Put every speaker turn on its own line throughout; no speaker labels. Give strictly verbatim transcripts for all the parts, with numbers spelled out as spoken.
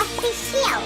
Official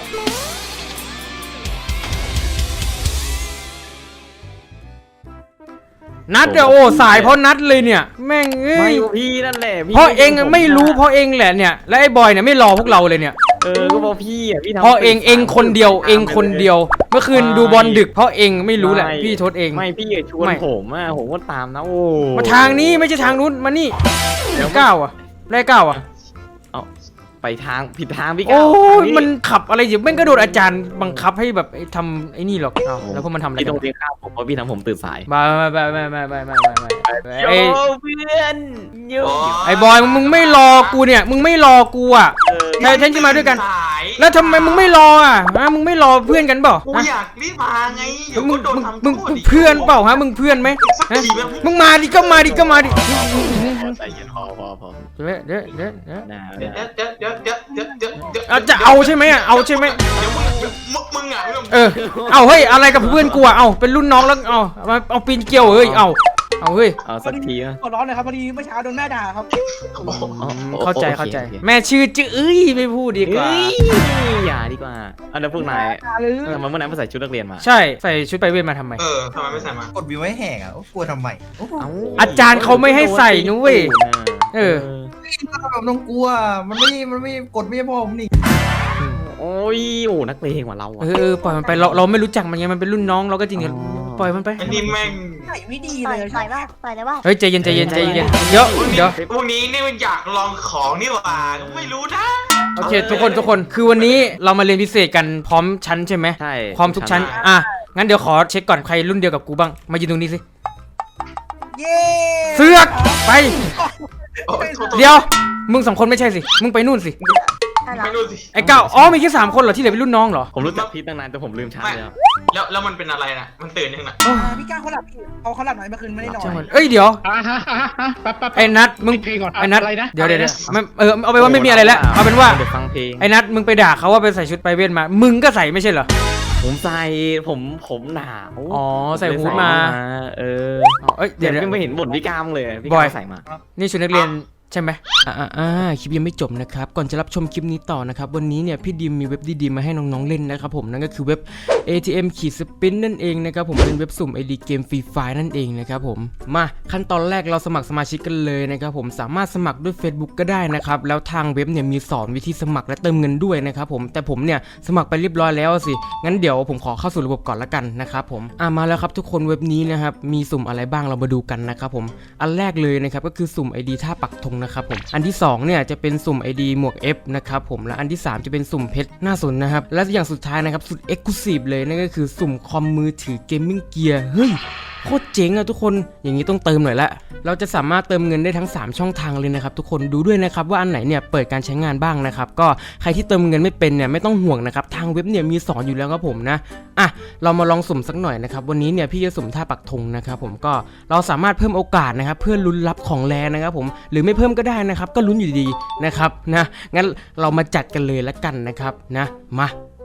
นัดเดี๋ยวโอ้สายเพราะนัดเลยเนี่ยแม่งเอ้
ไม่
ย
พี่นั่นแหละพี่
เพราะเองไม่รู้เพราะเองแหละเนี่ยและไอ้บอยเนี่ยไม่รอพวกเราเลยเนี่ย
เออก็เพราะพี่อ่ะพี่ทำ
เพราะเองเองคนเดียวเองคนเดียวเมื่อคืนดูบอลดึกเพราะเองไม่รู้แหละพี่โทษเอง
ไม่พี่ชวน
ไม่
ผมอ่ะผมก็ตามนะโอ้
มาทางนี้ไม่ใช่ทางนู้นมานี่ก้าวอ่ะได้ก้าวอ่ะ
เอาไปทางผิดทางพี่
โอ้
ก้าวย
มันขับอะไรอยู่แม่งก็โดนอาจารย์บังคับให้แบบทำไอ้นี่หรอกอ้าวแล้วพวกมันทำอะไร
พี่
กั
ต้อน งเรียนข้าวผมเพราะพี่ทำผมตื่นสาย
มาไม่ไม่ไม่ไม่ไม่ไม่ไม่ไม่
โย
ไอ้
เพื่อนโย
ไอ้บอยมึงไม่รอกูเนี่ยมึงไม่รอกูอ่ะ
เออ
แทนที่จะมาด้วยกัน
สาย
แล้วทำไมมึงไม่รออ่ะฮะมึงไม่รอเพื่อนกันเปล่า
กู
ฮะ
อยากรีบมาไงเดี๋ยว
มึ
ก็
ง
โดน
มึง
ทำ
มึง
โทษ
มึง
อีก
เพื่อนเปล่าฮะมึงเพื่อนไหม
สัก
ฮะ
ทีไหม
มึงมาดิก็มาดิก็มาดิ
ใจเย็นพอพอพอ
เดี๋ยวเดี๋ยวเดี๋ยวเดี๋ยว
นะ
เดี๋ยวเดี๋ยวเดี๋ยวเดี๋ยวเดี๋ยวเดี๋ยวเดี๋ยว
เอาจะเอาใช่ไหมอ่ะเอาใช่ไหม
เดี๋ยวมึงเดี๋ยวมึงมึงอ่ะมึง
เออเอาเฮ้ยอะไรกับเพื่อนกูอ่ะเอาเป็นรุ่นน้องแล้วเอามาเอาปีนเกลียวเฮ้ยเอาเอาเฮ้ย
เอาสักทีนะ
ขอร้องหน่อยครับพอดีเมื่อเช้าโดนแม่ด่าครับ
เข้าใจเข้าใจแม่ชื่อจื้อเอ้ยไม่พูดดีกว่า
เอ้ยอย่าดีกว่าอันนั้นพวกนาย
ด่าหรือ
ทำไมเมื่อไหร่มาใส่ชุดนักเรียนมา
ใช่ใส่ชุดไปเวทมาทำไม
เออทำไมไม่ใส่มาก
ดวิวให้แหกอ่ะโอ้กลัวทำไมโอ้โห
อาจารย์เขาไม่ให้ใส่นุ้ยเออ
แบบต้องกลัว มันไม่ มันไม่กดไม่พอผมนี่
โอ้ยโอ้นักเลงกว่าเรา
เอ
อ่ะ
อปล่อยมันไปเราเราไม่รู้จักมันไงมันเป็นรุ่นน้องเราก็จริงปล่อยมันไป
อันนี้แม่ง
ใส่ไม่ดี
ปล่
เล
อย
ย
ปล่อยว่าปล่อยเลยว่า
เฮ้ยใจเย็นใจเย็นใจเย็นเดี๋ยว
พวกนี้
เดี๋ยว
พวกนี้เนี่ยมันอยากลองของนี่หว่าไม่รู้นะ
โอเคทุกคนทุกคนคือวันนี้เรามาเรียนพิเศษกันพร้อมชั้นใช่ไหม
ใช่
พร้อมทุกชั้นอ่ะงั้นเดี๋ยวขอเช็คก่อนใครรุ่นเดียวกับกูบ้างมายืนตรงนี้สิ
เย้
เสือกไป
โอ้ยโทษโทษ
เดี๋ยวมึงสองคนไม่ใช่สิมึงไปนู่นสิ
ใช่เหรอ
ไม่รู้สิ
ไอ้เก้าอ๋อมีแค่สามคนเหรอที่เหลือเป็นรุ่นน้องเหรอ
ผมรู้จักพีทตั้งนานแต่ผมลืมชั้นเลยครับ
แล้วแล้วมันเป็นอะไรนะมันตื่นยังไง
โอ้
อ่าพี่ก้าวเขาหลับเขาเขาหลับหน่อยเมื่อคืนไม่ได้นอน
ช่างมันเอ้ยเดี๋ยว
อ่าฮะฮะฮะแป๊บแป๊บ
ไอ้นัทมึง
เพลงก่อน
ไอ้นัท
อะไรนะ
เดี๋ยวเดี๋ยวเดี๋ยวไม่เออเอาไปนว่าไม่มีอะไรแล้วเอาเป็นว่า
เดี๋ยวฟังเพลง
ไอ้นัทมึงไปด่าเขาว่าไปใส่ชุดไปเวทมา มึงก็ใส่ไม่ใช่เหรอ
ผมใส่ผมผมหนาว
อ๋อใส่ฮู้ดมา
เออ
เอ้ย
เดี๋
เดี๋
ย
ยว ว
ไม่เห็นบ่นพี่กามเลยพี่
บ
กา
อย
มใส่มา
นี่ชุดนักเรียนใช่ไหมอ่าอ่าคลิปยังไม่จบนะครับก่อนจะรับชมคลิปนี้ต่อนะครับวันนี้เนี่ยพี่ดิมมีเว็บดีๆมาให้น้องๆเล่นนะครับผมนั่นก็คือเว็บ เอ ที เอ็ม ขีดสปินนั่นเองนะครับผมเป็นเว็บสุ่ม ไอ ดี เกมฟรีไฟนั่นเองนะครับผมมาขั้นตอนแรกเราสมัครสมาชิกกันเลยนะครับผมสามารถสมัครด้วย Facebook ก็ได้นะครับแล้วทางเว็บเนี่ยมีสอนวิธีสมัครและเติมเงินด้วยนะครับผมแต่ผมเนี่ยสมัครไปเรียบร้อยแล้วสิงั้นเดี๋ยวผมขอเข้าสู่ระบบก่อนละกันนะครับผมอ่ะมาแล้วครับทุกคนเว็บนี้นะครับมีสุ่มอะไรบ้างเรามาดูกันนะครับผมอันแรกเลยนะครับก็คือสุ่ม ไอ ดี ท่าปักธงนะครับผมอันที่สองเนี่ยจะเป็นสุ่ม ไอ ดี หมวก F นะครับผมและอันที่สามจะเป็นสุ่มเพชรหน้าสนนะครับและอย่างสุดท้ายนะครับสุด Exclusive เลยนั่นก็คือสุ่มคอมมือถือเกมมิ่งเกียร์เฮ้ยโคตรเจ๋งอะทุกคนอย่างนี้ต้องเติมหน่อยละเราจะสามารถเติมเงินได้ทั้งสามช่องทางเลยนะครับทุกคนดูด้วยนะครับว่าอันไหนเนี่ยเปิดการใช้งานบ้างนะครับก็ใครที่เติมเงินไม่เป็นเนี่ยไม่ต้องห่วงนะครับทางเว็บเนี่ยมีสอนอยู่แล้วครับผมนะอ่ะเรามาลองสุ่มสักหน่อยนะครับวันนี้เนี่ยพี่จะสุ่มท่าปักธงนะครับผมก็เราสามารถเพิ่มโอกาสนะครับเพื่อลุ้นรับของแรงนะครับผมหรือไม่เพิ่มก็ได้นะครับก็ลุ้นอยู่ดีๆนะครับนะงั้นเรามาจัดกันเลยละกันนะครับนะมา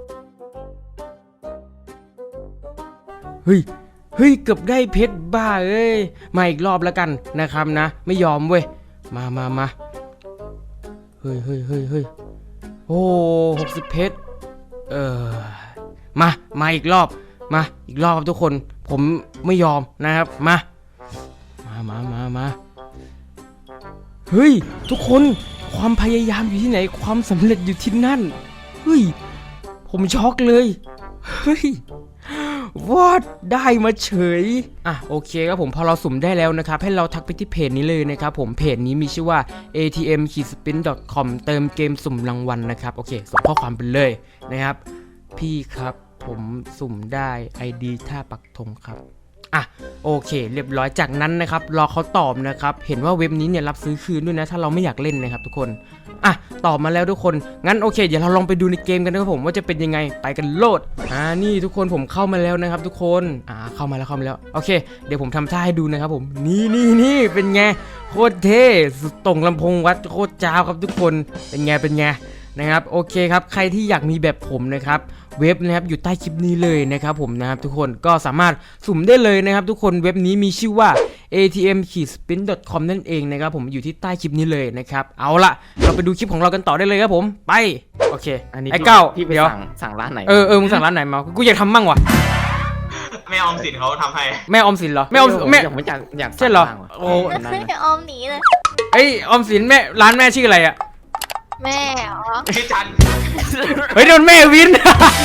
เฮ้ยเฮ้ยเกือบได้เพชรบ้าเอ้ยมาอีกรอบแล้วกันนะครับนะไม่ยอมเว้ยมามามาเฮ้ยเฮ้ยเฮ้ยเฮ้ยโอ้หกสิบเพชรเออมามาอีกรอบมาอีกรอบครับทุกคนผมไม่ยอมนะครับมามามามามาเฮ้ยทุกคนความพยายามอยู่ที่ไหนความสำเร็จอยู่ที่นั่นเฮ้ยผมช็อกเลยเฮ้ยวอดได้มาเฉยอ่ะโอเคครับผมพอเราสุ่มได้แล้วนะครับให้เราทักไปที่เพจนี้เลยนะครับผมเพจนี้มีชื่อว่า เอ ที เอ็ม ขีด สปิน ดอท คอม เติมเกมสุ่มรางวัลนะครับโอเคส่งข้อความไปเลยนะครับพี่ครับผมสุ่มได้ ไอ ดี ท่าปักธงครับอ่ะโอเคเรียบร้อยจากนั้นนะครับรอเขาตอบนะครับเห็นว่าเว็บนี้เนี่ยรับซื้อคืนด้วยนะถ้าเราไม่อยากเล่นนะครับทุกคนอ่ะตอบมาแล้วทุกคนงั้นโอเคเดี๋ยวเราลองไปดูในเกมกันนะครับผมว่าจะเป็นยังไงไปกันโลดอ่านี่ทุกคนผมเข้ามาแล้วนะครับทุกคนอ่าเข้ามาแล้วเข้ามาแล้วโอเคเดี๋ยวผมทำท่าให้ดูนะครับผมนี่นี่นี่เป็นไงโคตรเท่สุดตรงลำโพงวัดโคตรจ้าวครับทุกคนเป็นไงเป็นไงนะครับโอเคครับใครที่อยากมีแบบผมนะครับเว็บนะครับอยู่ใต้คลิปนี้เลยนะครับผมนะครับทุกคนก็สามารถสุ่มได้เลยนะครับทุกคนเว็บนี้มีชื่อว่า เอ ที เอ็ม สปิน ดอท คอม นั่นเองนะครับผมอยู่ที่ใต้คลิปนี้เลยนะครับเอาละเราไปดูคลิปของเรากันต่อได้เลยครับผมไปโอเค
อันนี้
ไอ้เก้า
พี่ไป
เดี๋ยว
สั่งสั่งร้านไหน
เออเออมึงสั่งร้านไหนมากูอยากทำมั่งว่ะ
แม่ออมสินเขาทำให้
แม่ออมสินเหรอแม่ออมแม่
ผมอยากอยาก
ใช่เหรอ
สั่งบ้างว่ะ
โอ้
ก็คือจะออมหนีเลย
ไอยออมสินแม่ร้านแม่ชื่ออะไรอะ
แม่เหรอ
พี่จัน
เฮ้ยโดนแม่วิน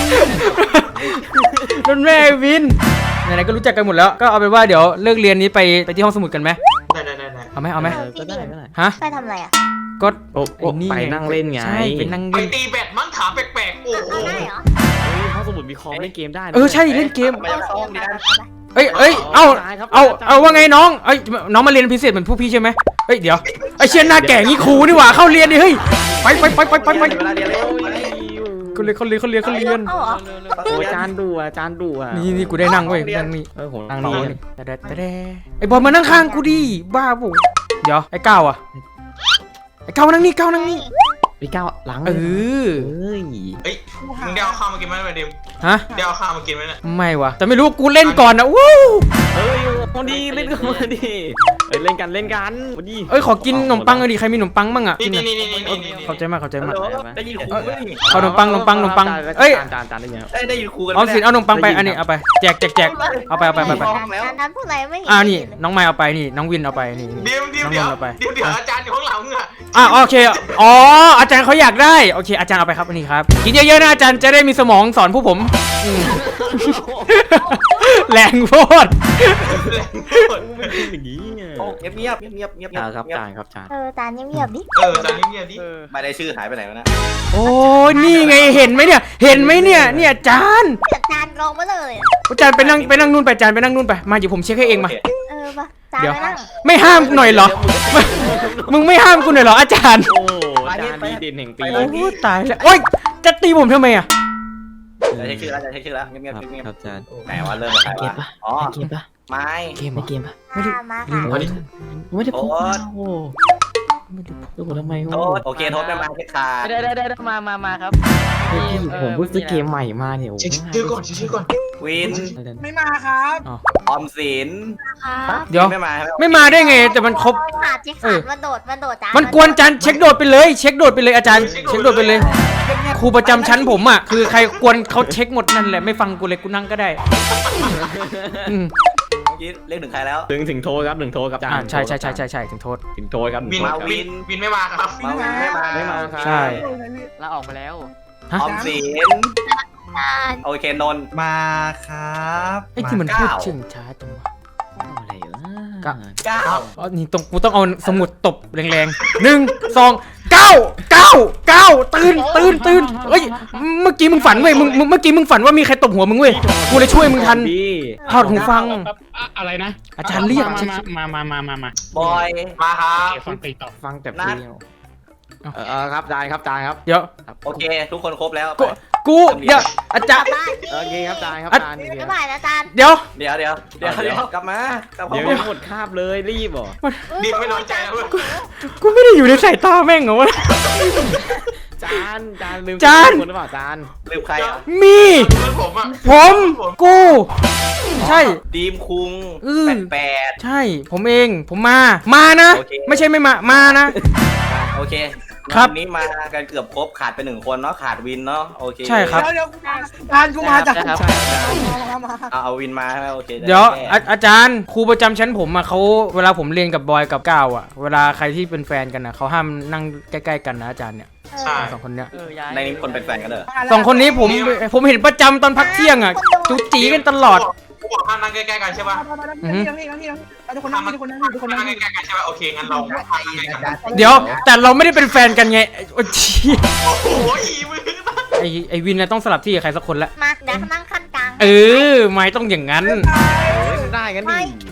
โดนแม่วินไหนๆก็รู้จักกันหมดแล้วก็เอาเป็นว่าเดี๋ยวเลิกเรียนนี้ไปไปที่ห้องสมุดกันไหม
ได้ได้ได้ได้
เอาไหมเอาไหม
เออก็ได้ก็ได้
ฮะ
ไปทำอะไรอ่ะ
ก็
โอ้โอ้
ไอ้นี่
ไป
ไง
นั่งเล่นไง
ใช่ไปนั่ง
ไป
เล่น
ตีแบดมั้งถามแปลกๆโอ้โห
เอาได้เหรอ
เฮ้ยห้องสมุดมีคอมเล่นเกมได้นะ
เออใช่เล่นเกม
ไปยังห้องนี้นะ
เอ้ยเอ้ยเอาเอาเอาว่าไงน้องเอ้ยน้องมาเรียนพิเศษเหมือนพวกพี่ใช่ไหมเอ้ยเดี๋ยวไอเชียนหน้าแก่งี้ครูนี่หว่าเข้าเรียนดิเฮ้ยไปไปไปไปไปไป
เวลาเรียนแล้ว
เขาเรียนเขาเรียนเขาเรียนเขาเรียน
เอาเหรอ
โอ้ยอาจารย์ดูอ่ะอาจารย์ดูอ่ะ
นี่นี่กูได้นั่งเว้ยนั่งนี่
เออผม
นั่
นั่
ง
ง
นี่
นี่
แต่แต่แต่ไอบอลมานั่งข้างกูดิบ้าปุ๊เดี๋ยวไอ้ก้าวอะไอ้ก้าวนั่งนี่ก้าวนั่งนี่
พี่ก้าวล้าง
เออ
เฮ้ย
เฮ้ยมึงได้เอาข้าวมากินไหมไอ้ดิม
ฮะ
ได้เอาข้าวมากินไหมเนี่ย
ไม่วะแต่ไม่รู้กูเล่นก่อนนะวู้
เฮ้ยพอดีเล่นกันมาดิเฮ้ยเล่นกันเล่นกันพอดี
เอ้ยขอกินขนมปังเลยดิใครมีขนมปังบ้างอะ
นี่
กิน
นี่
อะ
นี่นี่นี่นี่นี่
ขอบใจมากขอบใจมาก
ได้ยินครูไหม
เอาขนมปังขนมปังขนมปังเอ้ย
จานจานจานได้ยัง
ได้ได้ยินครูกัน
เอาสิเอาขนมปังไปอันนี้เอาไปแจกแจกแจกเอาไปเอาไปเอาไป
การนั้นพูดอะไรไม่เห็น
อ่านี่น้องไม้เอาไปนี่น้องวินเอาไปนี่
เดี๋ยวเดี๋ยวเดี๋ยว
น้องนนท์เอาไป
เดี๋ยวเดี๋ยวอาจารย์อยู่ข้างหลังมึงอะ
อ่ะโอเคอ๋ออาจารย์เขาอยากได้โอเคอาจารย์เอาไปครับอันนี้ครับกินเยอะๆนะอาจารย์จะได้มีสมองสอนผู้ผมอืม แรงโพด
มันเป็นอย่างนี้ไง
เงียบเงียบเงียบเงียบเงียบ
อ่าครับจานครับจาน
เออจานเงียบๆดิ
เอออาจารย์เงียบๆดิ
ไม่ได้ชื่อหายไปไหนวะนะ
โอ้ยนี่ไงเห็นไหมเนี่ยเห็นไหมเนี่ยเนี่ยอาจารย์
แต่จานลงมาเลยอะ
อาจารย์ไปนั่งไปนั่งนู่นไปอาจารย์ไปนั่งนู่นไปมาเดี๋ยวผมเช็คให้เองมา
เออปะจาน
เดี๋ยว
ไปนั่ง
ไม่ห้ามหน่อยเหรอ มึงไม่ห้ามกูหน่อยเหรออาจารย์
โอ้อาจารย์ดีเด่นแห่งปี
โอ้ตายแล้วโอ้ยจะตีผมทำไมอ่ะ
จะเช็คชื่อแล้วจะเช็คชื่อแล้วเงียบเงียบเงียบ
ครับอาจารย์
ไหนว่าเริ่มจากใครวะอ๋อ
เกมปะ
ไม้
เกมไม่เกมปะ
ไม่ได้
มามา
ลื
ค่ะ
ม
เอาดิ
ไม่ได้พูด
โอ๊ต
โอ้
ไม่ได้
ดูทำไม
โทษโอเคโทษไม่มาเช็คขาด
ได้ได้ได้มามามาครับ
ผมเพิ่งซื้อเกมใหม่มาเนี่ย
เช็คชื่อก่อนเช็คชื่อก่อน
วิน
ไม่มาครับ
ออมสิน
ครับ
เดี๋ยว
ไม่มาใช่ไหม
ไม่มาได้ไงแต่มันครบ
ขาดเจ๊ขาดมาโดดมาโดดจาน
มันกวนอาจารย์เช็คโดดไปเลย เช็คโดดไปเลยอาจารย์เช็คโดดไปเลย ครูประจำชั้นผมอ่ะคือใครกวนเขาเช็คหมดนั่นแหละไม่ฟังกูเลยกูนั่งก็ได้อืม
เมื่อกี้เรียกถึงใครแล้ว
ถึงถึงโทรครับถึงโทรครับอาจาร
อ่า
ย์
ใช่ใช่ใช่ใช่ใช่ถึงโทษ
ถึงโทรครับ
วิน
มาวิ
วิน
น
วินไม่มาครับ
มาวินไม่มา
ไม่มาครับ
ใช่
ลาออกไปแล้ว
ฮะ
ออมสิน
จาน
โอเคนนท์มาครับ
ไอ้ที่มันพูดเชิงช้าจังวะ
อะไรวะ
ก็
เก้า
อ๋อนี่ต้องกูต้องเอาสมุดตบแรงๆหนึ่งสองเก้าเก้าเก้าตื่นตื่นตื่นเอ้ยเมื่อกี้มึงฝันเว้ยมึงมึงเมื่อกี้มึงฝันว่ามีใครตบหัวมึงเว้ยกูเลยช่วยมึงทัน
ดี
ถอดหูฟัง
อะอะไรนะ
อาจารย์เรียก
มามามามามามา
บอย
มาครับ
โอเคฟังตีต่อ
ฟังแต่เพลงเออครับอาจารย์ครับอาจารย์ครับ
เดี๋ยว
โอเค ทุกคนครบแล้ว
กูกูเดี๋ยวอาจารย์
บ้าน
โอเคครับอาจารย์ครับอาจารย์
บ๊ายบายนะจาน
เดี๋ยว
เดี๋ยวเดี๋ยวเดี๋ยวเดี๋ยวกลับมากลับมา
เดี๋ยวยังหมดคาบเลยรีบเหรอ
ดิมไม่น้อยใจนะเว้ย
กูไม่ได้อยู่ในสายตาแม่งเหรอวะ
จานจานลืม
จาน
คนหรือเปล่าจาน
ลืมใครอ่ะ
มี
เพื่อนผมอ่ะ
ผมกูใช่
ดีมคุง
อืม
แปดแปด
ใช่ผมเองผมมามานะ
โอเค
ไม่ใช่ไม่มามานะ
โอเค
ครับ
วันนี้มากันเกือบครบขาดไปหนึ่งคนเนาะขาดวินเนาะโอเค
ใช่ครับ
เดี๋ยวเดี๋ยวจานกูมาจาก
ครับ
มามา
เอาเอาวินมาใช่ไหมโอเค
เดี๋ยว
แก้
อาอาจารย์ครูประจำชั้นผมอะเขาเวลาผมเรียนกับบอยกับก้าวอะเวลาใครที่เป็นแฟนกันอะเขาห้ามนั่งใกล้ๆกันนะอาจารย์เนี่ย
ใช่
สองคนเนี้ย
เออย้าย
ในนี้คนเป็นแฟนกันเหรอ
สองคนนี้ผมผมเห็นประจำตอนพักเที่ยงอะจุจีกันตลอด
กูบอกห้ามนั่งใกล้ๆกันใช่ป่ะ
นั่งนี่นั่งนี่นั่งนี่ทุกคนนั่งนี่ทุกคนนั่งนี่ทุกคนนั่
นั่
ง
ง
นี่
ใกล้ๆกันใช่ป่ะโอเคงั้นเราห้ามนั่งใกล้ๆกัน
เดี๋ยวแต่เราไม่ได้เป็นแฟนกันไงโอ้ชี
โอ้โหอีมึง
ไอไอวินนะต้องสลับที่กับใครสักคนละ
มาเดี๋ยวนั่งขั้นกลาง
เออไม่ต้องอย่างนั้น
ได้กันดิ
ไม่ไม่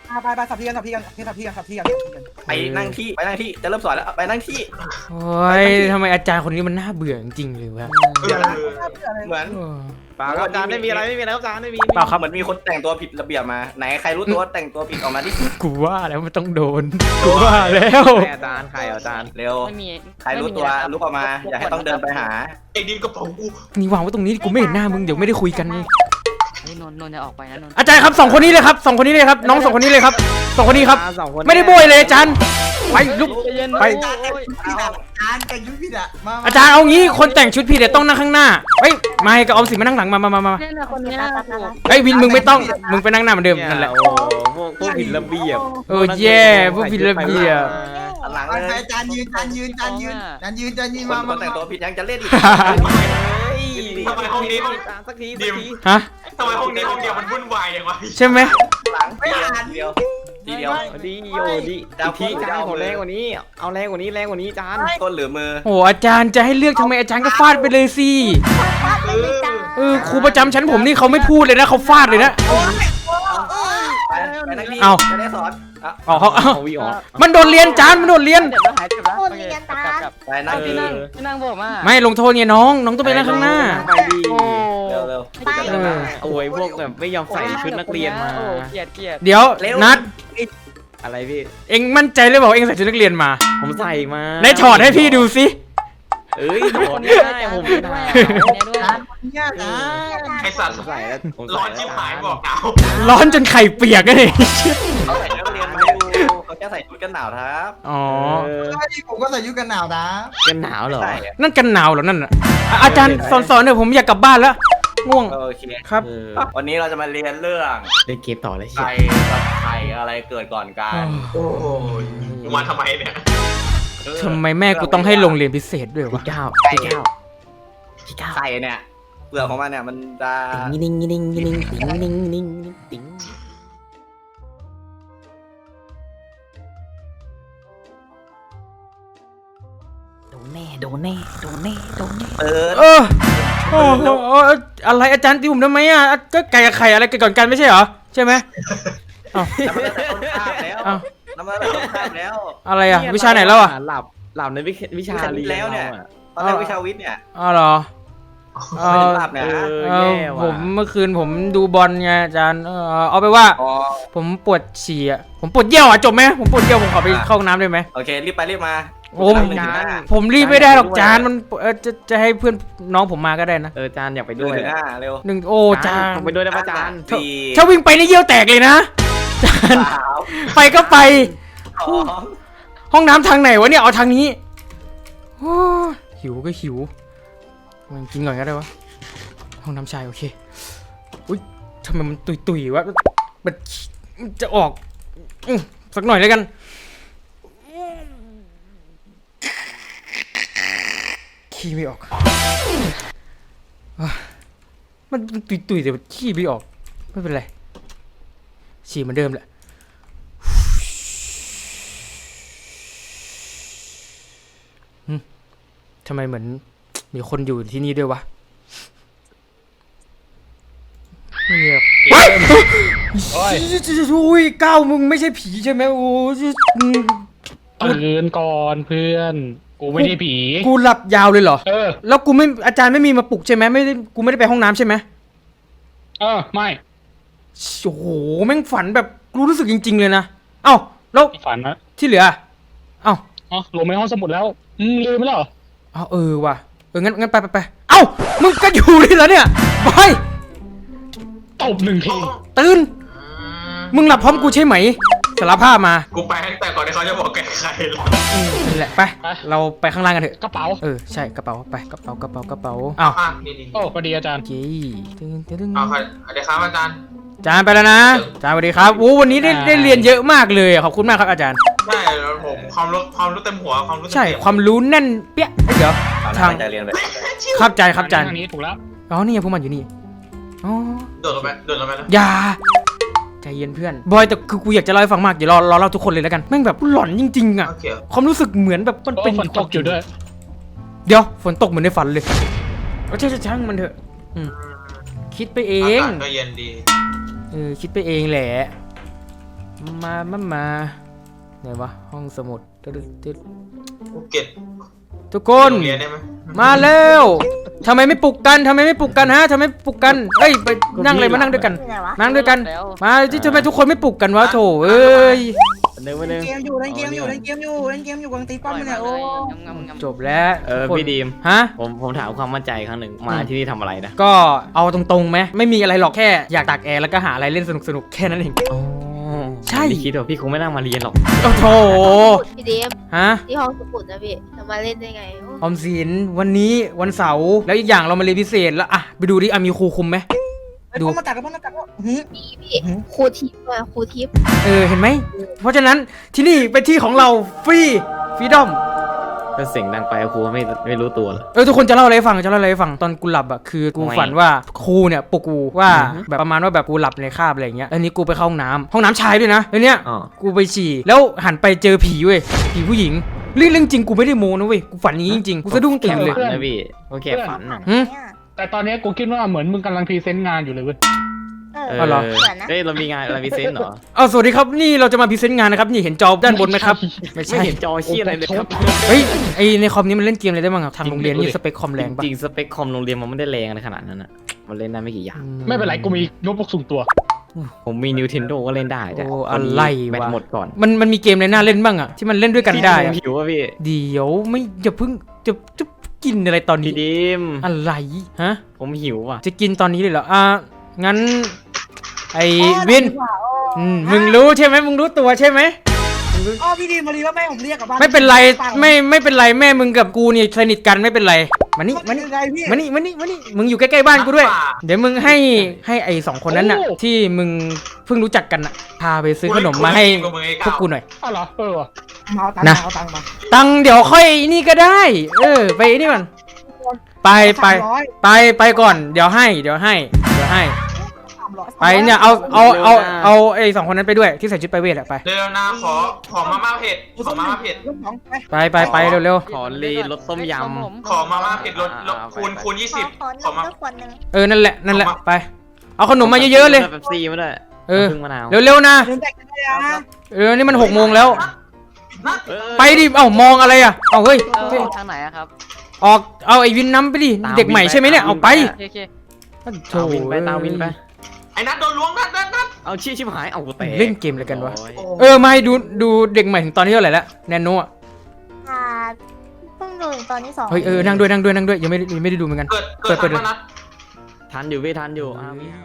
ไปไปสับพี่กันสับพี่กันสับพี่กันสับพี่กัน
ไปนั่งที่ไปนั่งที่จะเริ่มสอนแล้วไปนั่งที่
โอ้ยทำไมอาจารย์คนนี้มันน่าเบื่อจริงๆเลยวะ
เออ
เหมือน
โอ้
เปล่าครับอาจารย์ไม่มีอะไรไม่มีอะไรครับอาจารย์ไม่มี
เปล่าครับ
เหมือนมีคนแต่งตัวผิดระเบียบมาไหนใครรู้ตัวว่าแต่งตัวผิดออกมาที่
กูว่าแล้วมันต้องโดนกูว่าแล้ว
อาจารย์ใครอาจารย์เร็ว
ไม่มี
ใครรู้ตัวลุกออกมาอย่าให้ต้องเดินไปหา
ไอ้ดินกระเป๋ากู
นี่วางไว้ตรงนี้กูไม่เห็นหน้ามึงเดี๋ยวไม่ได้คุยกันไง
เฮ้ยนนท์นนท์จะออกไปนะนนท์
อาจารย์ครับสองคนนี้เลยครับสองคนนี้เลยครับน้องสองคนนี้เลยครับสองคนนี้ครับ
สองคน
ไม่ได้โบยเลยอาจารย์ไปลุก
ใจเย็น
ไป
จานแต่งชุดผิดอ่ะจานแต่งชุดผิดอ่ะมา
อาจารย์เอางี้คนแต่งชุดผิดเดี๋ยวต้องนั่งข้างหน้าเฮ้ยมาให้กับออมสินมานั่งหลังมามามามา
เนี่ยนะคนเนี้ย
เฮ้ยวินมึงไม่ต้องมึงไปนั่งหน้าเหมือนเดิมนั่นแหละ
โอ้พวกพวกผิดระเบียบ
เออแย่พวกผิดระเบียบ
หลัง
ไป
เลย
ไปจานยืนจานยืนจานยืนจานยืนจานยืน
คน
มา
ค
มาน
แต่งตัวผิดยังจะเล่นอีก
ทำไมห้องนี้ห้อง
สักที
ดิ
สัก
ม
ที
ฮะ
ทำไมห้องนี้ห้องเดียวมันวุ่นวายอย่างวะ
ใช่ไหม
หลังทีเดียวทีเดียวดีโอ้ดีอีกทีจานขอแรงกว่านี้เอาแรงกว่านี้แรงกว่านี้จานต้นหรือมือ
โอ้อาจารย์จะให้เลือกทำไมอาจารย์ก็ฟาดไปเลยสิ
ฟาดไปเลยจ้า
เออครูประจำชั้นผมนี่เขาไม่พูดเลยนะเขาฟาดเลยนะ
ไปไปนั่งที่
เอา
จะได้สอน
อ๋อเขาเอา
เอาวิออก
มันโดนเรียนจานมันโดนเรียน
เดี๋ยวเราหายเจ็บแล้ว
โคตรเรียนตา
กลับ
ไปนั่
นั่
ง
ง
ที่
ที่
นั่
นั่
ง
งที่นั่งบอกมา
ไม่ลงโทษไงน้องน้องต้องไปนั่งข้างหน้า
ไปดีเร็วเร็ว
ไป
โอ้ยพวกแบบไม่ยอมใส่ชุดนักเรียนมา
โอ้เกลียดเกลียด
เดี๋ยวนัด
อะไรพี่
เอ็งมั่นใจเลยบอกเอ็งใส่ชุดนักเรียนมา
ผมใส่มา
ไหนถอดให้พี่ดูสิ
เอ้ยถอด
คน
ไม่
นี้
ได้ผม
ด้
ไม่
วย
ได้
คนนี้ด้วย
จานเนี่ยจาน
ไอสัตว์
ผมใส่แล้วผม
ร้
ใส่
อนชิบหายบอกหนาว
ร้อนจนไข่เปียกเลย
เขาใส่นักเรียนมาดูเขาจะใส่ชุดกันหนาวครับ
อ๋อ
ผมก็ใส่ยุกันหนาวนะ
กันหนาวเหรอ
นั่นกันหนาวเหรอนั่นอ่ะอ่ะอาจารย์สอนสอนเดี๋ยวผมอยากกลับบ้านแล้วง่วง
โอเค
ครับ
วันนี้เราจะมาเรียนเรื่องเล่นเกมต่อเลยใครกับใครอะไรเกิดก่อนกัน
โอ้ยกูมาทำไมเนี่ย
ทำไมแม่กูต้องให้โรงเรียนพิเศษด้วยวะ
เก้าพี่เก้าพี่เก้าใส่เนี่ยเปลือกของมันเนี่ยมันจะ
นิ่งนิ่งนิ่งนิ่งนิ่งนิ่งนิ่งนิ่ง โดนแน่ โดนแน่ โดนแน่ โดนแน่
เปิด
เออโอ้โหอะไรอาจารย์ตีผมทำไมอ่ะก็ไก่กับไข่อะไรเกิดก่อนกันไม่ใช่เหรอใช่ไหมเอ้า
น้ำมันต้นข้ามแล้ว
เอ้า
น้ำมันต้นข้ามแล้ว
อะไรอ่ะวิชาไหนแล้วอ่ะ
หลับหลับในวิชาเรียนแล้วเนี่ยตอนแรกวิชาวิทย์เนี่ย
อ๋อเหรอเอ
ไม่
อ
หลับเนี่ย
เออผมเมื่อคืนผมดูบอลไงอาจารย์เออเอาไปว่า
อ๋อ
ผมปวดฉี่อ่ะผมปวดเยี่ยวอ่ะจบไหมผมปวดเยี่ยวผมขอไปเข้าห้องน้ำได้ไหม
โอเครีบไปรีบมา
โอ้ม
หนึ่งถึงห้า
ผมรีบไม่ได้หรอกจานมันเออจะจะให้เพื่อนน้องผมมาก็ได้นะ
เออจานอยากไปด้วยหนึ่งถึงห้าเร็ว
หนึ่งโอ้จาน
ผมไปด้วยได้ปะจานสี่
ถ้าวิ่งไปนี่เยี่ยวแตกเลยนะจาน
สาม
ไปก็ไป
สอง
ห้องน้ำทางไหนวะเนี่ยเอาทางนี้โอ้ยหิวก็หิวมันกินก่อนก็ได้วะห้องน้ำชายโอเคอุ้ยทำไมมันตุยตุยวะมันมันจะออกอื้อสักหน่อยแล้วกันขี้ไม่ออกอ่ะมันตุยตุยแต่มันขี้ไม่ออกไม่เป็นไรฉี่เหมือนเดิมแหละทำไมเหมือนมีคนอยู่ที่นี่ด้วยวะไม่เงียบเฮ้ยอุ้ยก้าวมึงไม่ใช่ผีใช่ไหมโอ้ย
ตื่นก่อนเพื่อน กูไม่ได้ผี
กูหลับยาวเลยเหรอ
เออ
แล้วกูไม่อาจารย์ไม่มีมาปลุกใช่ไหมไม่ได้กูไม่ได้ไปห้องน้ำใช่ไหม
เออ ไม่
โอ้โหแม่งฝันแบบรู้รู้สึกจริง ๆ เลยนะเอ้าแล้ว
ฝันนะ
ที่เหลือเอ้า
อ๋อลงไปห้องสมุดแล้ว อืมลืมไปแล้วเหรอ
เอาเออว่ะเอองั้นงั้นไปไปไปเอ้ามึงก็อยู่นี่แล้วเนี่ยบอย
ตบหนึ่งที
ตื่นมึงหลับพร้อมกูใช่ไหมสารภาพมา
กูไปตั้งแต่ก่อนที่เขาจะบอกแกใครแล้ว
อืมนั่นแหละไปเราไปข้างล่างกันเถอะ
กระเป๋า
เออใช่กระเป๋าไปกระเป๋ากระเป๋ากระเป๋าอ้าว
อ่ะนี่นี่
โอ้พอดีอาจารย์
เจ๊ตึงตึงตึง
เอาใครเดี๋ยวครับอาจารย์
อาจารย์ไปแล้วนะอาจารย์สวัสดีครับโอ้วันนี้ได้ได้เรียนเยอะมากเลยขอบคุณมากครับอาจารย์
ใช่แล้วผมความรู้ความรู้เต็มหัวความรู้เต็ม
ใช่
เปี่ยม
ความรู้แน่นเปี้ยเอ้ยเดี๋ยว
ทางใจเรียนไป
ครับอาจารย์ครับอาจารย์
ทางนี้ถูกแล้ว
อ๋อนี่ไงพวกมันอยู่นี่อ๋อ
โดดลงไปโดดลงไปนะ
อย่าใจเย็นเพื่อนบอยแต่คือกูอยากจะเล่าให้ฟังมากเดี๋ยวรอรอเล่าทุกคนเลยแล้วกันแม่งแบบหลอนจริงๆอ่ะ
โอเค
ความรู้สึกเหมือนแบบมัน
โอ้
เป็น
ฝนตกอยู่ด้วย
เดี๋ยวฝนตกเหมือนในฝันเลยก็ใช่ช่างมันเถอะอืมคิดไปเอง
อากาศก็เย็นดี
เออคิดไปเองแหละมามามาไหนวะห้องสมุดตึ๊ดตึ๊ด
ภูเก็ต
ทุกคน
โรงเรียนได้ไหม
มาแล้วทำไมไม่ปลุกกันทำไมไม่ปลุกกันฮะทำไมไม่ปลุกกันเอ้ยไปนั่งเลยมานั่งด้วยกัน
ที่ไหนวะ
นั่งด้วยกัน มาที่ทำไมทุกคนไม่ปลุกกันวะโถเอ้ย
หนึ่งไปหนึ่ง
เกมอยู่เล่นเกมอยู่เล่นเกมอยู่เล่นเกมอยู่กำลังตีป้อมอยู่เนี่ยโอ้
จบแล้ว
เออ
ทุกคน
พี่ดีม
ฮะ
ผมผมถามความมั่นใจครั้งหนึ่งมาที่นี่ทำอะไรนะ
ก็เอาตรงๆไหมไม่มีอะไรหรอกแค่อยากตากแอร์แล้วก็หาอะไรเล่นสนุกๆแค่นั้นเอง ใช่
พี่คิดว่าพี่คงไม่นั่งมาเรียนหรอก
โอ้โถ
พี่เดม
ฮะ
ที่ห้องสมุดนะพี่จะมาเล่นได้ไงโอ้
ออมสินวันนี้วันเสาร์แล้วอีกอย่างเรามาเรียนพิเศษแล้วอะไปดูดิอะมีครูคุมไหม
ไอ้ป้อมมาตัดกับป้อมมาตัดก็หืม
พี่พี่ครูทิพย์อะครูทิพย์
เออเห็นไหมเพราะฉะนั้นที่นี่เป็นที่ของเราฟรีฟรีดอม
ถ้าเสียงดังไปครูไม่ไม่รู้ตัวเลย
เออทุกคนจะเล่าอะไรให้ฟังจะเล่าอะไรให้ฟังตอนกูหลับอะคือกู
ไม่
ฝันว่าครูเนี่ยปลุกกูว่า
อือฮึ
แบบประมาณว่าแบบกูหลับในคาบอะไรอย่างเงี้ยแล้วนี้กูไปเข้าห้องน้ำห้องน้ำชายด้วยนะแล้วเนี้ย
อ๋อ
กูไปฉี่แล้วหันไปเจอผีเว้ยผีผู้หญิงเรื่องเรื่องจริงกูไม่ได้โม้นะเว้ยกูฝันอย่างนี้จริงๆกูสะดุ้งตื่นเลย
ฝันะพี่โอเคฝันน่ะ
หืม
เนี่ย
แต่ตอนนี้กูคิดว่าเหมือนมึงกำลังพรีเซนต์งานอยู่เลยเว้ย
เอ
เอ
อ
อเหรอ
อ
เหมือนนะ
เฮ้ยเรามีงานเรามีเซนเหรอ
เอาสวัสดีครับนี่เราจะมาพรีเซนต์งานนะครับนี่เห็นจอด้านบนไหมครับไม่
ไม่
ใช่
เห็นจอชี้อะไรเลยครับ
เฮ้ยไอในคอมนี้มันเล่นเกมอะไรได้บ้างอะทางโรงเรียนนี่สเปคคอมแรงปะ
จริงๆสเปคคอมโรงเรียนมันไม่ได้แรงอะไรขนาดนั้นอ่ะมันเล่นได้ไม่กี่อย่าง
ไม่เป็นไรกูมีโน้ตบุ๊กส่วนตัว
ผมมี Nintendo ก็เล่นได้แต่
โอ้อะไร
แบต
วะ
หมดก่อน
มันมันมีเกมอะไรน่าเล่นบ้างอะที่มันเล่นด้วยกันได้อะ
พี่หิวป่ะพี่
เดี๋ยวไม่อย่าเพิ่งจะจะกินอะไรตอนนี้
พี่ดิม
อะไรฮะ
ผมหิวอ่ะ
จะกินตอนนี้เลยเหรออ่ะงั้นไอวินอืมมึงรู้ใช่ไหมมึงรู้ตัวใช่ไหม
อ๋อพี่ดีมาดีว่าแม่ผมเรียกกลับบ้าน
ไม่เป็นไรไม่ไม่เป็นไรแม่มึงกับกูเนี่ยสนิทกันไม่เป็นไรมานี่มานี่
ยังไงพี่
มานี่มานี่มานี่มึงอยู่ใกล้ๆบ้านกูด้วย เดี๋ยวมึงให้ให้ไอสองคนนั้นน่ะ ที่มึงเพิ่งรู้จักกันน่ะพาไปซื้อขนมมาให้พวกกูหน่อย
อ้าวเหรอเออว่ะ
มาเอาตังค์
นะ
มาเอาตังค์มา
ตังค์เดี๋ยวค่อยนี่ก็ได้ เออ ไปนี่ก่อนไปไป
สามร้อย
ไปไปก่อนเดี๋ยวให้เดี๋ยวให้เดี๋ยวให้
สามร้อย
ไปเนี่ยเอาเอาเอาเอาไอสองคนนั้นไปด้วยที่ใส่ชุดไปเวทอะไป
เร็วๆนะขอขอมาม่าเผ็ดขอมาม่าเผ็ด
ลูกน้องไป
ไปไปไปเร็ว
ขอรีรสต้มย
ขอมาม่าเผ็ดลดลดคูณคูณยี่สิบ
ขอ
ขอ
ข
มา
อด้วยคนหนึ่ง
ๆเออนั่นแหละนั่นแหละ
เอามา
ไป เอาขนม
ำ
มาเยอะๆเลย
แบบซีมาด้วย
เออ
น้ำผึ้งมะนาว
เร็วๆนะ
เดินแตกกันเลยนะ
เออนี่มันหกโมงแล้ว
นัด
เออ
ไปดิเอ้ามองอะไรอะเอาเฮ้ย
เออทางไหนอะครับ
ออกเอาไอวินน้ำไปดิ
ตาม
เด็กใหม่ใช่ไหมเนี่ย
วินไป
เอาไป
ตาม
โอเค
โถ
ตาวินไปตาวินไป
ไอ้นัดโดนล้วงนัดนัดนัด
เอาชี้ชิบหายเอากูเตะ
เล่นเกมอะไรกันวะ
โอ้ย
เออมาให้ดูดูเด็กใหม่ถึงตอนที่เท่าไหร่แล้วแนนโนอะ
อ่าเพิ่งดูถึงตอนที่สอง
เฮ้ยเออนั่งด้วยนั่งด้วยนั่งด้วยยังไม่ได้ยังไม่ได้ดูเหมือนกัน
เกิดเกิด
เปิ
ทั
ด
น
เปิด
ปะนัด
ทันอยู่พี่ทันอยู่อ้าวพี่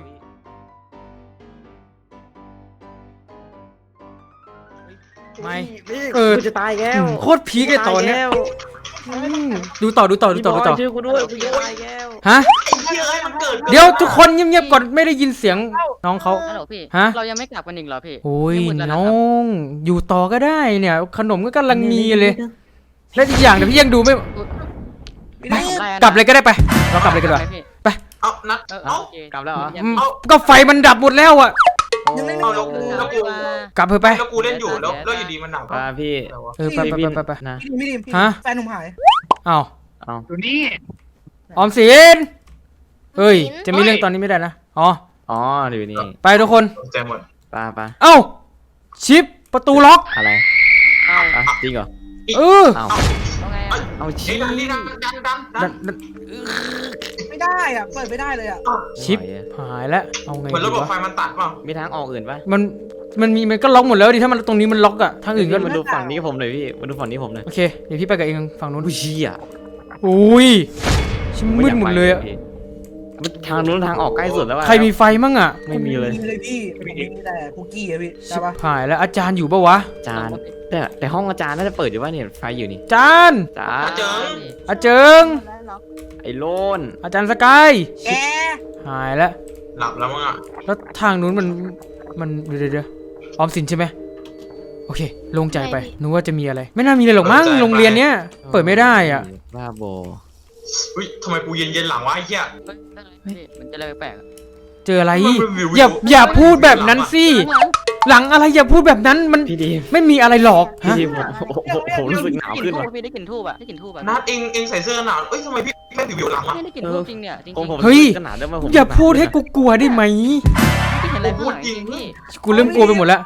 ไม่
พี่
เออ
กูจะตายแล้ว
อืมโคตรพีคเลยตอนเนี้ย
ตายแล้ว
อืมดูต่อดูต่อดูต่อดูต่อ
พี่บยช่วยกูด้วยกูจะตายแล้ว
ฮะ
ไอ้เหี้ยเอ้ยมันเกิด
เดี๋ยวทุกคนเงียบๆก่อนไม่ได้ยินเสียงน้องเขา
ฮัลโหลพี่
ฮะ
เรายังไม่กลับกันอีกเหรอพี่
โอ้ย
ไม่หมดแล้วนะ
น้
ค
อ
รับ
งอยู่ต่อก็ได้เนี่ย ขนมก็กำลังมีเลย และอีกอย่างเดี๋ยวพี่ยังดูไม่
พี่
ไม่
ดี
ทำอะไรอะนะ
กลับเลยก็ได้ไปเรากลับเลยกันดีกว่า
ไหมพี่
เอานัด
เออ
เอา
โอเค
กลับแล้วเหรอ
อืม
เอา
ก็ไฟมันดับหมดแล้วอ่ะ
ยังไม่
เอา
ไม่
แล้วแล้วกู
กลับเถอะไป
แล้วกูเล่นอยู่แล้วแล้วอยู่ดีมันหนัก
ปาพี่
เออไปไปไปไปไป
นะ
พี่ดีพี่ดี
ฮะ
แฟนหนุ่มหาย
อ้าว
เอา
อยู่นี่
ออมสินเฮ้ยจะมีเรื่องตอนนี้ไม่ได้นะอ๋อ
อ๋ออยู่นี่
ไปทุกคน
ใจหมด
ปาปา
เอ้าชิปประตูล็อก
อะไร
เอา
อ่ะจริงเหรอ
เออ
เอา
เอาไงอะ
เอา
ไอ้
ชี้
ดันนี่ดันดันดันดั
ดั
น
นดัน
ไม่ได้อ่ะเปิดไม่ได้เลยอ่ะ
ชิปหายแล้วเอาไง
เหมือนระ
ดี
บบไฟ
วะ
มันตัดเปล่า
มีทางออกอื่นปะ
มันมันมีมันก็ล็อกหมดแล้วดิถ้ามันตรงนี้มันล็อกอะทางอื่นก็
มาดูฝั่งนี้ผมหน่อยพี่มาดูฝั่งนี้ผมหน่อย
โอเคเดี๋ยวพี่ไปกับเองฝั่งนู้น
อุ้ยเชี่ย
อุ้ยชิมมืดหมดเลยอะ
ทางนู้นทางออกใกล้สุดแล้วว่ะ
ใครมีไฟมั่งอะ
ไม่มีเลย
มีเลยพี่ผมมีแต่คุกกี้อะพี่
ชิ
ใช่
บ
ปะ
หายแล้วอาจารย์อยู่ปะวะ
อาจารย์แต่แต่ห้องอาจารย์น่าจะเปิดอยู่ว่าเนี่ยไฟอยู่นี่
อาจารย์
จ้า
เจิง
อาเจิง
แล้วเหรอ
ไอ้โลน
อาจารย์สกาย
แก
หายแล้ว
หลับแล้วมั้งอ่ะ
แล้วทางนู้นมันมันเดี๋ยวเดี๋ยวเดี๋ยวออมสินใช่ไหมโอเคโล่งใจไปนึกว่าจะมีอะไร ไม่น่ามีเลยหรอกมั้งโรงเรียนเนี้ยเปิดไม่ได้อ่ะ
บ้าโบ
อุ้ยทำไมกูเย็นเย็นหลังวะไอ้เหี้ย
เฮ้ยได้ไงพี่มันจะอะไรแปลกๆอะ
เจออะไร
มันเป็นวิว
อย่า
วิว
อย่าพูดแบบนั้นสิ
ข้างหลัง
หลังอะไรอย่าพูดแบบนั้นมัน
พี่ดีม
ไม่มีอะไรหรอก
พี่
ฮะ
ดีมผมผมผมรู้สึกหนาว
ได้ก
ขึ้
ลิ่
น
นทู
ว่ะ
บพี่ได้กลิ่นทูบอะได้กลิ่นทูบอะ
นัดเองเองใส่เสื้อหนาวเอ้ยทำไมพี่แค่ผิวหลังอ่ะ
ไม่ได้กลิ่นทูบจริงเนี่ยจริง
ผมผม
เฮ้ย
ขนาดได้มาผม
อย่าพูดให้กูกลัวได้ไหม
ๆพี่เห็นอะไรข้างหลังจริงพี่
กูเริ่มกลัวไปหมดแล้ว
มัน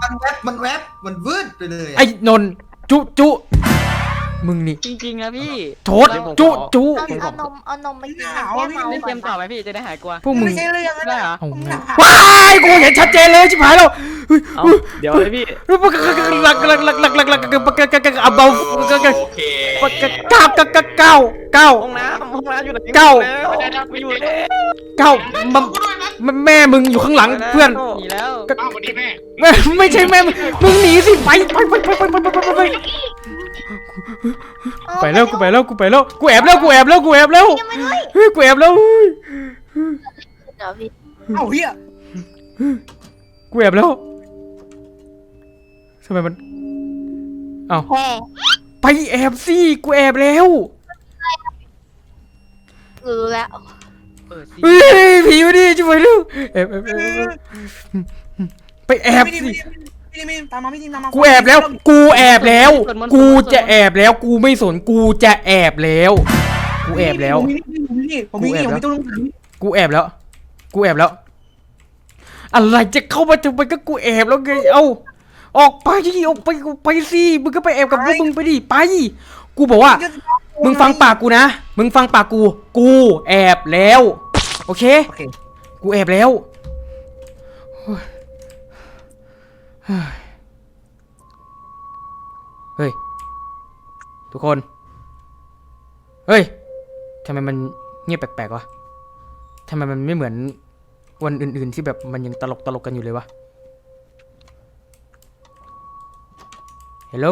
มันแวบมันแวบมันวืดไปเลย
ไอ้นนท์จุจุมึงนี่
จริงๆนะพี่
โทษจุจุ
เอาเอานมเอานมไปกินแก้เมา
เล่นเก
ก่อน
มต่อไหมพี่จะได้หายกลัว
พวกมึง
ไม่ใช่เรื่องนั้น
ได้เหรอ
เอาแม่งว้ายกูเห็นชัดเจนเลยชิบหายแล้วเฮ้ย
เอาเดี๋ยวเลยพี่
หลักหลักหลักหลักหลักหลักหลักเอาเบา
โอเค
เก้าเก้าเก้าเก้าเก้า
ห้องน้ำห้องน้ำอยู่ไหน
เก้า
แล้วไปอยู่แล้ว
เก้ามันแม่มึงอยู่ข้างหลังเพื่อน
หนีแล้ว
อ้าววันนี้แม่
แม่ไม่ใช่แม่มึงมึงหนีสิไปไปไปไปไปไปไปไปไปไปแล้วกูไปแล้วกูไปแล้วกูแอบแล้วกูแอบแล้วกูแอบแล้วเฮ้ยกูแอบแล้ว
เดี๋ยวพี่
เอ้าเฮีย
กูแอบแล้วทำไมมันเอ้า
แค่
ไปแอบสิกูแอบแล้ว
รู้แล้ว
เปิดสิ
เฮ้ยผีมาดิช่วยเร็วแอบแอบแอบแอบไปแอบ
ไม่ดี
สิ
ไม่ดีไม่ดีตามมาไม่ดีตามมา
กูแอบแล้ว กูแอบแล้ว กูจะแอบแล้ว กูไม่สน กูจะแอบแล้ว กูแอบแล้ว
ผมมีนี่ผมมีนี่ผมมีนี่ผมมีตู้ลงถัง
กูแอบแล้ว กูแอบแล้ว อะไรจะเข้ามาทำไมก็กูแอบแล้วไง เอ้า ออกไปที่ออกไปไปสิ มึงก็ไปแอบกับพวกมึงไปดิ ไป กูบอกว่า มึงฟังปากกูนะ มึงฟังปากกู กูแอบแล้ว โอเค
โอเค
กูแอบแล้วโอ้ยเฮ้ย ทุกคน เฮ้ย ทำไมมันเงียบแปลกๆวะ ทำไมมันไม่เหมือนวันอื่นๆที่แบบมันยังตลกตลกกันอยู่เลยวะ ฮัลโหล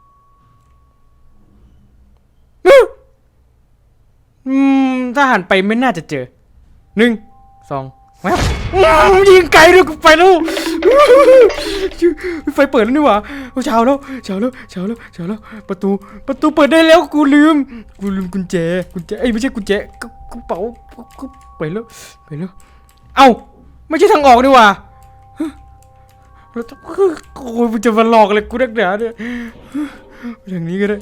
อืม ถ้าหันไปไม่น่าจะเจอ หนึ่ง สองแว๊บยิงไกลด้วยกูไปแล้วไฟเปิดแล้วนี่หว่าเช้าแล้วเช้าแล้วเช้าแล้วเช้าแล้วประตูประตูเปิดได้แล้วกูลืมกูลืมกุญแจกุญแจเอ้ยไม่ใช่กุญแจกกระเป๋ากูไปแล้วไปแล้วเอ้าไม่ใช่ทางออกนี่หว่าแล้วโอ้ยมันจะมาหลอกเลยกูนักหนาเนี่ยทางนี้ก็ได้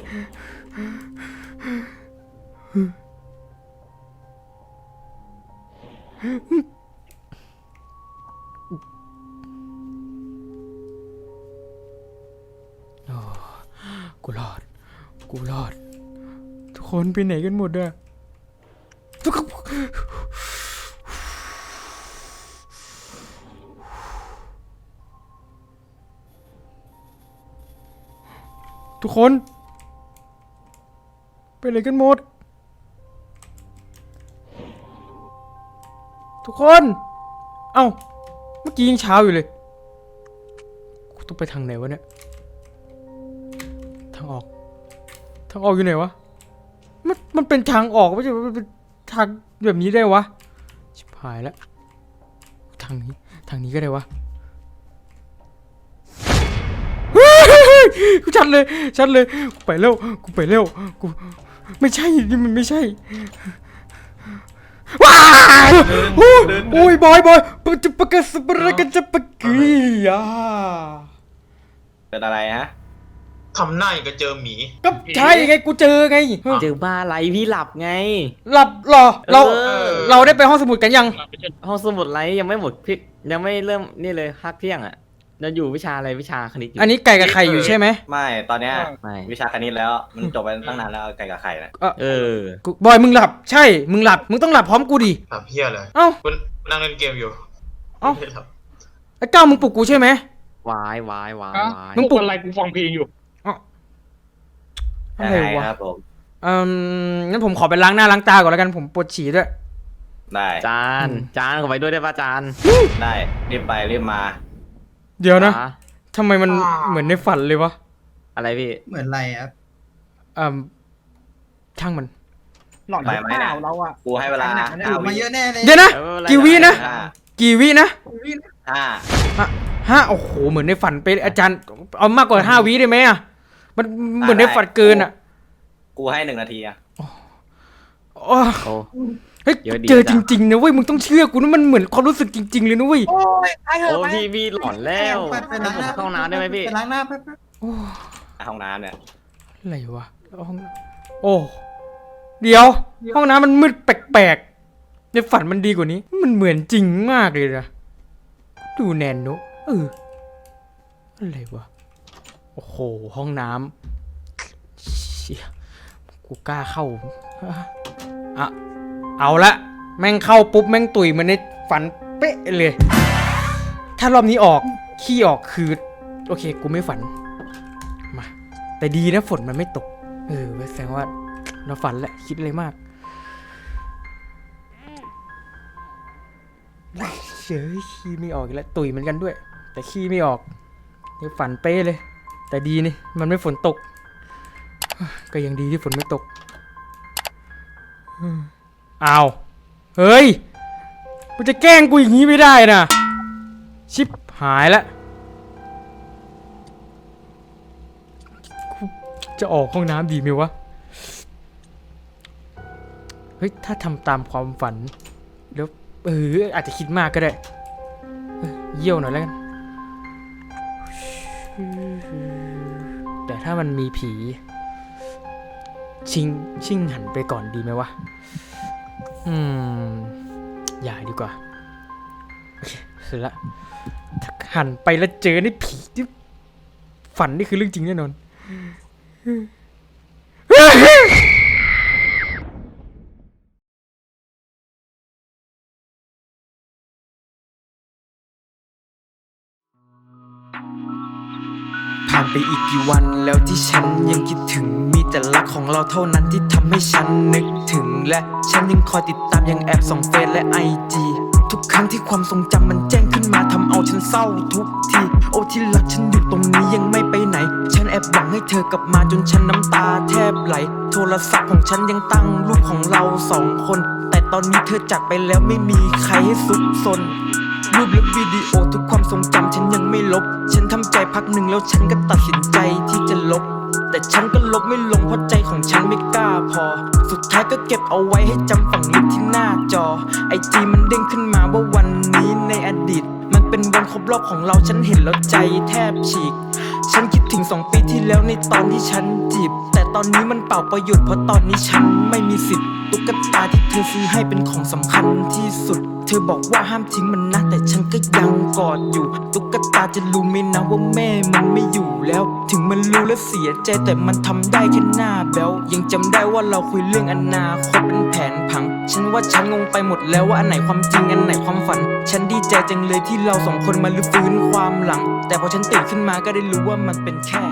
กูรอด กูรอด ทุกคนไปไหนกันหมดอะทุกคนทุกคน ไปไหนกันหมด ทุกคน เอ้า เมื่อกี้ยังเช้าอยู่เลย กูต้องไปทางไหนวะเนี่ย ทางออก ทางออกอยู่ไหนวะ มัน มันเป็นทางออกไม่ใช่มันเป็นทางแบบนี้ได้วะ ชิบหายแล้ว ทางนี้ ทางนี้ก็ได้วะ กูชัดเลย ชัดเลย กูไปเร็ว กูไปเร็ว กู ไม่ใช่ นี่มันไม่ใช่ ว้าวโอ้ยบอยบอยปะจะปะกะสปะระกะจะปะกีอ่ะ
เป็นอะไรฮะ
ทำหน้าอย่างกับเจอหมี
ก็ใช่ไงกูเจอไง
เจอบ้าอะไรพี่หลับไง
หลับเหรอ เรา
เออ
เราได้ไปห้องสมุดกันยัง
ห้องสมุดไรยังไม่หมดพี่ยังไม่เริ่มนี่เลยพักเที่ยงอ่ะเราอยู่วิชาอะไรวิชาคณิตอยู่
อันนี้ไก่กับไข่อยู่ใช่ไหม
ไม่ตอนเนี้ย
ไม่
วิชาคณิตแล้ว มันจบไปตั้งนานแล้วไก่กับไข่นะ
เออ
เออ
กูบอยมึงหลับ ใช่ มึงหลับ มึงต้องหลับพร้อมกูดิ
ทำเพี้ยเลย
เอ้า
คุณนั่งเล่นเกมอยู่
เอ้า
ไม่ได้ท
ไอ้ก้าวมึงปลุกกูใช่ไหม
วายวายวาย
อ่ะ
วาย
มึงปลุก
อะไรกูฟังเพลงอยู่
อะไร
ยังไง
วะ
ครับผม
เอืมงั้นผมขอไปล้างหน้าล้างตาก่อนแล้วกัน ผมปวดฉี่ด้วย
ได้ จาน จานขอไปด้วยได้ป่ะจาน ได้รีบไปรีบมา
เดี๋ยวนะ
อ่
ทำไมมันเหมือนในฝันเลยวะ
อะไรพี่
เหมือนอะไรครับ
อ่าช่างมัน
หลอนหรือเปล่าเราอะ
กูให้เวลา
อยู่มาเยอะแน่เลย
เดี๋ยวนะ
เออไม่เป็ไร
กี่วินะ
ห้า
กี่วินะ
ห้า
ห้าห้าโอ้โห เหมือนในฝันไปอาจารย์ เอามากกว่าห้าวิได้ไหมอ่ะ มันเหมือนในฝันเกินอ่ะ
กูให้หนึ่งนาทีอะ
โอ้
โอ้
เฮ้ย
เยอะดี
เจอ
จั
จ
ง
ริงๆนะเว้ย มึงต้องเชื่อกูนะมันเหมือนความรู้สึกจริง ๆ เลยนะเว้ย
โอ้ยไอ้เห
โอ้
อะไป
พี่พี่หลอนแล้ว
ไปไปล้างหน้า
เข้าห้องน้ำได้ไหมพี่
ไปล้างหน้าแป๊บ
โอ้
ห้องน้ำเนี่ย
อะไรวะแล้วห้องน้ำโอ้ เดี๋ยว ห้องน้ำมันมืดแปลกๆ ในฝันมันดีกว่านี้ มันเหมือนจริงมากเลยนะ ดูแนนโนเอออะไรวะโอ้โหห้องน้ำเชี่ยกูกล้าเข้าอะเอาละแม่งเข้าปุ๊บแม่งตุยมันในฝันเป๊ะเลย ถ้ารอบนี้ออกขี้ออกคือโอเคกูไม่ฝันมาแต่ดีนะฝนมันไม่ตกเออแสดงว่าเราฝันแหละคิดอะไรมากเฉยขี้ไม่ออกอีกแล้วตุยเหมือนกันด้วยแต่ขี้ไม่ออกนี่ฝันเป๊ะเลยแต่ดีนี่มันไม่ฝนตกก็ยังดีที่ฝนไม่ตกอ้าวเฮ้ยมันจะแกล้งกูอย่างนี้ไม่ได้นะชิบหายแล้วจะออกห้องน้ำดีไหมวะเฮ้ยถ้าทำตามความฝันแล้วเอออาจจะคิดมากก็ได้เยี่ยวหน่อยแล้วกันแต่ถ้ามันมีผีชิงชิงหันไปก่อนดีไหมวะอืมอย่าดีกว่าโอเคเสร็จละถ้าหันไปแล้วเจอในผีที่ฝันนี่คือเรื่องจริงแน่นอนผ่านไปอีกกี่วันแล้วที่ฉันยังคิดถึงมีแต่รักของเราเท่านั้นที่ทำให้ฉันนึกถึงและฉันยังคอยติดตามยังแอบส่องเฟซและไอจีทุกครั้งที่ความทรงจำมันแจ้งขึ้นมาทำเอาฉันเศร้าทุกทีโอ้ที่รักฉันอยู่ตรงนี้ยังไม่ไปไหนฉันแอบหวังให้เธอกลับมาจนฉันน้ำตาแทบไหลโทรศัพท์ของฉันยังตั้งรูปของเราสองคนแต่ตอนนี้เธอจากไปแล้วไม่มีใครให้ซุกซนรูปและวิดีโอทุกความทรงจำฉันยังไม่ลบฉันทำใจพักหนึ่งแล้วฉันก็ตัดสินใจที่จะลบแต่ฉันก็ลบไม่ลงเพราะใจของฉันไม่กล้าพอสุดท้ายก็เก็บเอาไว้ให้จำฝังลึกที่หน้าจอไอจีมันเด้งขึ้นมาว่าวันนี้ในอดีตมันเป็นวันครบรอบของเราฉันเห็นแล้วใจแทบฉีกฉันคิดถึงสองปีที่แล้วในตอนที่ฉันจีบแต่ตอนนี้มันเปล่าประโยชน์เพราะตอนนี้ฉันไม่มีสิทธิ์ตุ๊กตาที่เธอซื้อให้เป็นของสำคัญที่สุดเธอบอกว่าห้ามทิ้งมันนะแต่ฉันก็ยังกอดอยู่ตุ๊กตาจะรู้ไหมนะว่าแม่มันไม่อยู่แล้วถึงมันรู้และเสียใจแต่มันทำได้แค่หน้าแบ๊วยังจำได้ว่าเราคุยเรื่องอนาคตเป็นแผนผังฉันว่าฉันงงไปหมดแล้วว่าอันไหนความจริงอันไหนความฝันฉันดีใจจังเลยที่เราสองคนมาลื้อฟื้นความหลังแต่พอฉันตื่นขึ้นมาก็ได้รู้ว่ามันเป็นแค่